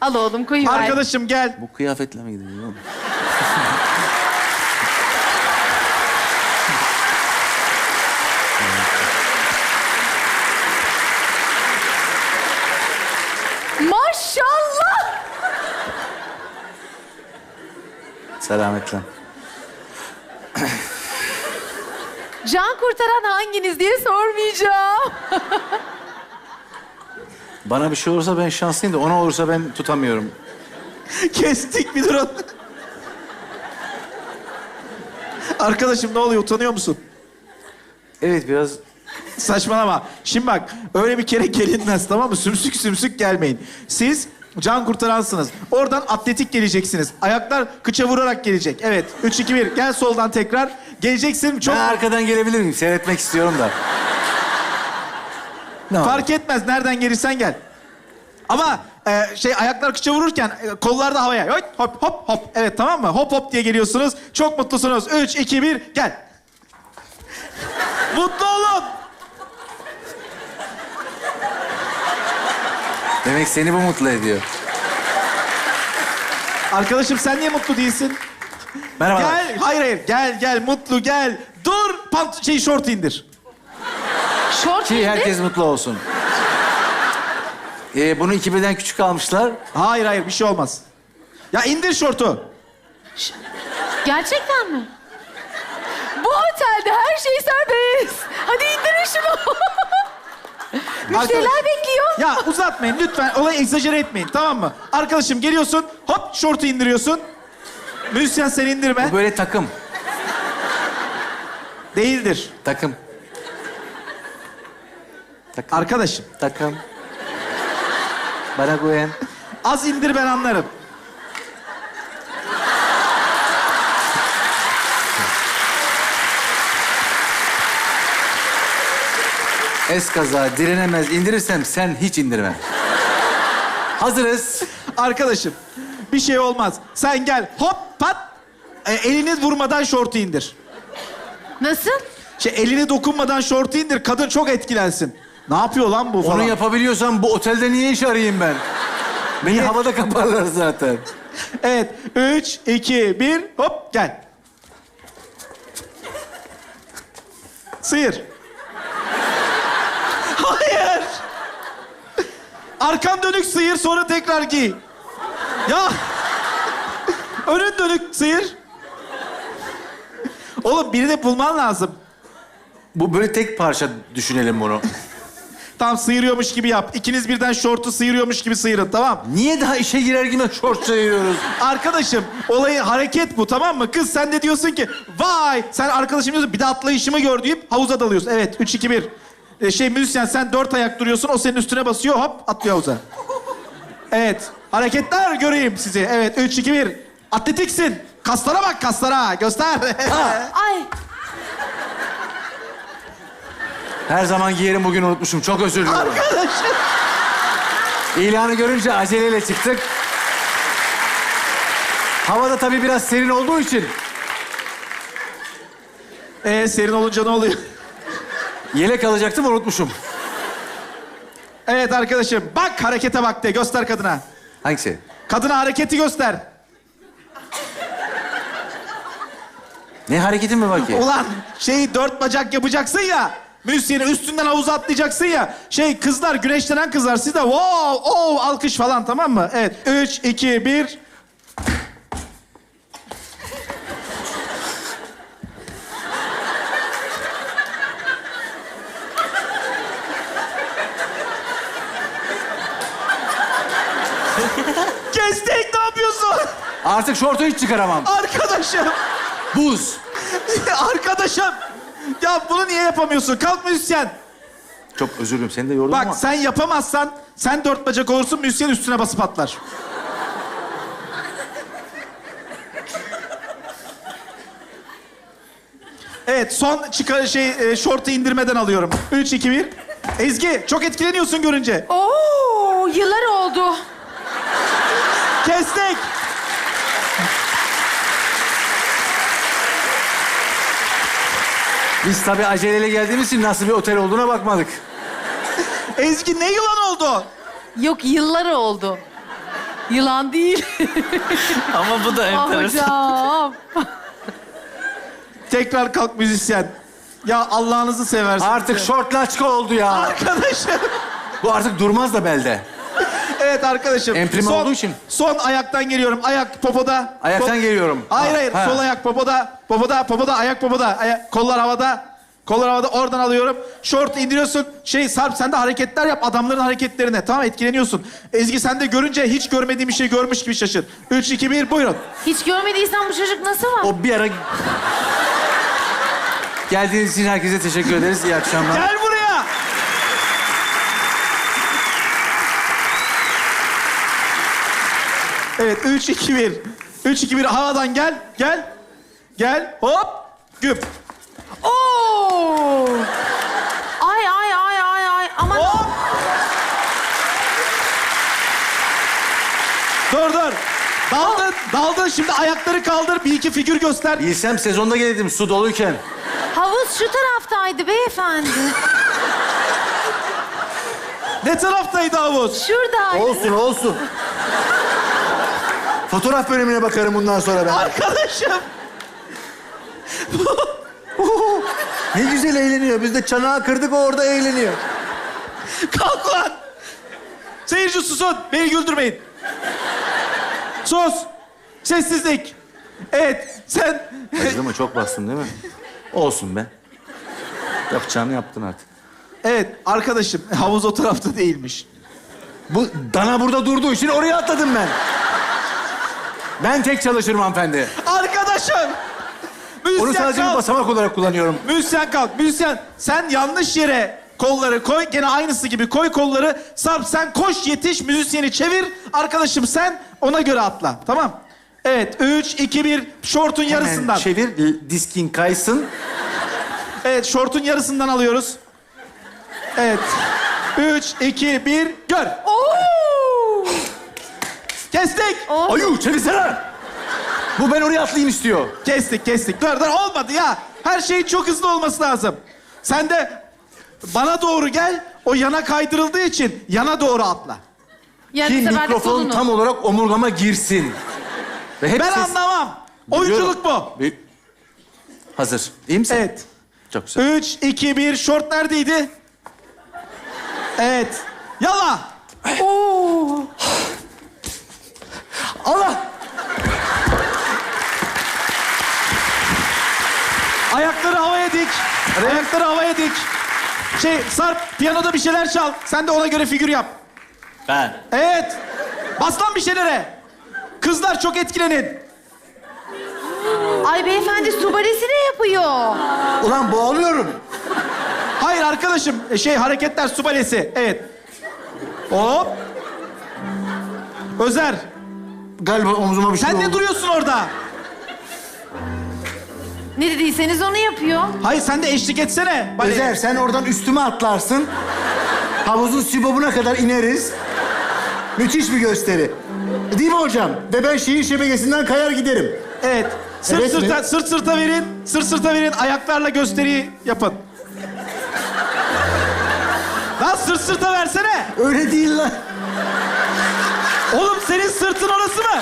Al oğlum koyuver. Arkadaşım gel. Bu kıyafetle mi gidiyor oğlum? Maşallah. Selametle. Can kurtaran hanginiz diye sormayacağım. Bana bir şey olursa ben şanslıyım da ona olursa ben tutamıyorum. Kestik bir durun. Arkadaşım ne oluyor? Utanıyor musun? Evet biraz Saçmalama. Şimdi bak, öyle bir kere gelinmez, tamam mı? Sümsük sümsük gelmeyin. Siz can kurtaransınız. Oradan atletik geleceksiniz. Ayaklar kıça vurarak gelecek. Evet. 3, 2, 1. Gel soldan tekrar. Geleceksin. Çok ben arkadan gelebilir miyim? Seyretmek istiyorum da. Ne olur. fark etmez. Nereden gelirsen gel. Ama ayaklar kıça vururken kollar da havaya. Hop hop hop hop. Evet, tamam mı? Hop hop diye geliyorsunuz. Çok mutlusunuz. 3, 2, 1. Gel. Mutlu olun. Demek seni bu mutlu ediyor. Arkadaşım sen niye mutlu değilsin? Merhaba. Gel. Hayır. Gel. Mutlu gel. Dur. Şort indir. Şort Ki giydi. herkes mutlu olsun. Bunu 2 beden küçük almışlar. Hayır. Bir şey olmaz. Ya indir şortu. Gerçekten mi? Bu otelde her şey serbest. Hadi indirin şunu. Müşteriler bekliyor. Ya uzatmayın lütfen. Olayı egzajere etmeyin, tamam mı? Arkadaşım geliyorsun. Hop şortu indiriyorsun. Müzisyen sen indirme. Bu böyle takım. Değildir. Takım. Takım. Arkadaşım Takım. Bana güven. az indir, ben anlarım. Eskaza direnemez indirirsem sen hiç indirme. Hazırız. Arkadaşım bir şey olmaz. Sen gel hop pat. Elini vurmadan şortu indir. Nasıl? Elini dokunmadan şortu indir. Kadın çok etkilensin. Ne yapıyor lan bu falan? Onu yapabiliyorsam bu otelde niye iş arayayım ben? Beni havada kaparlar zaten. Evet. 3, 2, 1. Hop gel. Sıyır. Hayır. Arkan dönük sıyır, sonra tekrar giy. Ya. Önün dönük sıyır. Oğlum birini bulman lazım. Bu böyle tek parça düşünelim bunu. Tam sıyırıyormuş gibi yap. İkiniz birden şortu sıyırıyormuş gibi sıyırın, tamam? Niye daha işe girer girmez şort sayıyoruz? Arkadaşım, olayı hareket bu, tamam mı? Kız sen de diyorsun ki, vay! Sen arkadaşım diyorsun, bir de atlayışımı gör deyip havuza dalıyorsun. Evet, 3, 2, 1. Müzisyen sen 4 ayak duruyorsun, o senin üstüne basıyor, hop atlıyor havuza. Evet, hareketler göreyim sizi. Evet, 3, 2, 1. Atletiksin. Kaslara bak, kaslara. Göster. Ay. Her zaman giyerim, bugün unutmuşum. Çok özür dilerim. Arkadaşım. İlanı görünce aceleyle çıktık. Havada tabii biraz serin olduğu için Serin olunca ne oluyor? yelek alacaktım, unutmuşum. Evet arkadaşım, bak harekete bak de. Göster kadına. Hangisi? Kadına hareketi göster. Ne hareketin mi var ki? Ulan 4 bacak yapacaksın ya. Müzisyeni üstünden havuza atlayacaksın ya. Kızlar, güneşlenen kızlar. Siz de wow, oh, alkış falan, tamam mı? Evet. 3, 2, 1. Kestik, ne yapıyorsun? Artık şortu hiç çıkaramam. Arkadaşım. Buz. Arkadaşım. Ya bunu niye yapamıyorsun? Kalk müzisyen. Çok özür dilerim, seni de yordum ama... Bak sen yapamazsan sen 4 bacak olursun, müzisyen üstüne basıp atlar. Evet, son şortu indirmeden alıyorum. 3, 2, 1. Ezgi, çok etkileniyorsun görünce. Oo, yıllar oldu. Kestik. Biz tabii aceleyle geldiğimiz için nasıl bir otel olduğuna bakmadık. Ezgi, ne yılan oldu? Yok, yıllar oldu. Yılan değil. Ama bu da Ah enteresan. hocam. Tekrar kalk müzisyen. Ya Allah'ınızı seversin. Artık şort laçka oldu ya. Arkadaşım. Bu artık durmaz da belde. Evet arkadaşım. Emprime olduğu için. Son ayaktan geliyorum. Ayak popoda. Ayaktan geliyorum. Hayır hayır. Ha. Sol ayak popoda. Popoda. Ayak popoda. Kollar havada. Kollar havada. Oradan alıyorum. Şort indiriyorsun. Sarp sen de hareketler yap. Adamların hareketlerine. Tamam etkileniyorsun. Ezgi sen de görünce hiç görmediğim bir şey görmüş gibi şaşır. 3, 2, 1 buyurun. Hiç görmediysen bu çocuk nasıl var? O bir ara... Geldiğiniz için herkese teşekkür ederiz. İyi akşamlar. Gel buraya. Evet 3, 2, 1. 3, 2, 1 havadan gel. Gel. Gel. Hop. Güp. Oo! Ay. Aman. Hop. Dur. Daldın. Şimdi ayakları kaldır. Bir iki figür göster. Bilsem sezonda gelirdim su doluyken. Havuz şu taraftaydı beyefendi. Ne taraftaydı havuz? Şuradaydı. Olsun. Fotoğraf bölümüne bakarım bundan sonra ben. Arkadaşım. Ne güzel eğleniyor. Biz de çanağı kırdık, o orada eğleniyor. Kalk lan. Seyirci susun. Beni güldürmeyin. Sus. Sessizlik. Evet sen... Acıdı mı? Çok bastın değil mi? Olsun be. Yapacağını yaptın artık. Evet arkadaşım havuz o tarafta değilmiş. Bu dana burada durduğu için oraya atladım ben. Ben tek çalışırım hanımefendi. Arkadaşım. Onu Müzisyen sadece bir kalk. basamak olarak kullanıyorum. Müzisyen kalk. Müzisyen sen yanlış yere kolları koy. Gene aynısı gibi koy kolları. Sarp sen koş yetiş müzisyeni çevir. Arkadaşım sen ona göre atla. Tamam. Evet 3, 2, 1 şortun yarısından. Hemen çevir, diskin kaysın. Evet şortun yarısından alıyoruz. Evet. 3, 2, 1 gör. Oo! Kestik. Ayu çevirsene. Bu ben oraya atlayayım istiyor. Kestik. Dur olmadı ya. Her şeyin çok hızlı olması lazım. Sen de bana doğru gel. O yana kaydırıldığı için yana doğru atla. Yani Ki bu sefer de mikrofon kolunu. tam olarak omurgama girsin. Ve hep Ben ses... anlamam. Oyunculuk bu. Hazır. İyi misin? Evet. Çok güzel. 3, 2, 1 şort neredeydi? Evet. Yala. Oo! Allah! Ayakları havaya dik. Ayakları havaya dik. Sarp piyanoda bir şeyler çal. Sen de ona göre figür yap. Ben. Evet. Bas lan bir şeylere. Kızlar çok etkilenin. Ay beyefendi su balesi ne yapıyor? Ulan boğuluyorum. Hayır arkadaşım. Hareketler su balesi. Evet. Hop. Özer. Galiba omzuma bir şey Sen oldu. ne duruyorsun orada? Ne dediyseniz onu yapıyor. Hayır sen de eşlik etsene. baleye. Özer, sen oradan üstüme atlarsın. Havuzun sibobuna kadar ineriz. Müthiş bir gösteri. Değil mi hocam? Ve ben şehir şebekesinden kayar giderim. Evet. Sırt Evet sırta, mi? sırt sırta verin. Sırt sırta verin. Ayaklarla gösteriyi yapın. Lan sırt sırta versene. Öyle değil lan. Oğlum senin sırtın orası mı?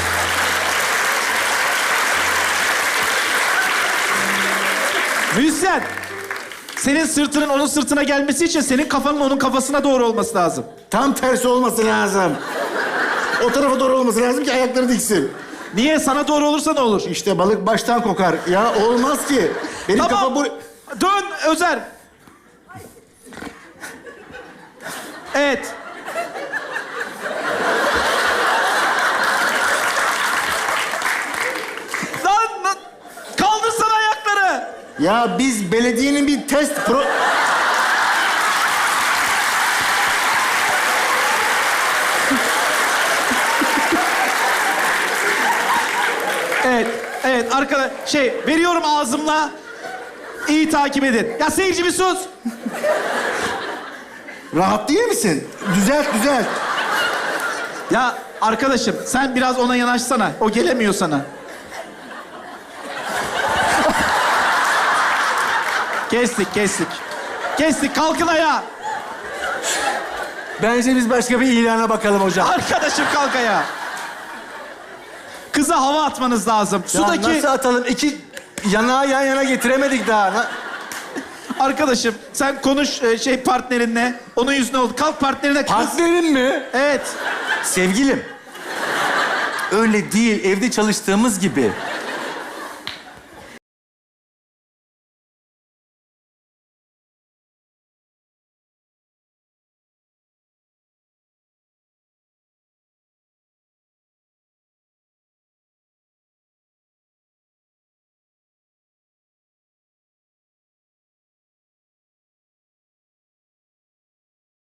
Müzisyen. Senin sırtının onun sırtına gelmesi için senin kafanın onun kafasına doğru olması lazım. Tam tersi olması lazım. O tarafa doğru olması lazım ki ayakları diksin. Niye? Sana doğru olursa ne olur? İşte balık baştan kokar. Ya olmaz ki. Benim kafa Tamam. bu... Dön Özer. Evet. Lan kaldırsana ayakları. Ya biz belediyenin bir test pro... Evet arkadaş veriyorum ağzımla. İyi takip edin. Ya seyirci bir sus. Rahat değil misin? Düzelt. Ya arkadaşım sen biraz ona yanaşsana. O gelemiyor sana. Kestik. Kestik kalkın ayağa. Bence biz başka bir ilana bakalım hocam. Arkadaşım kalk ayağa. Kıza hava atmanız lazım. Ya Sudaki... nasıl atalım? İki yanağı yan yana getiremedik daha. Arkadaşım sen konuş partnerinle. Onun yüzüne oldu. Kalk partnerine kız. Partnerim mi? Evet. Sevgilim. Öyle değil. Evde çalıştığımız gibi.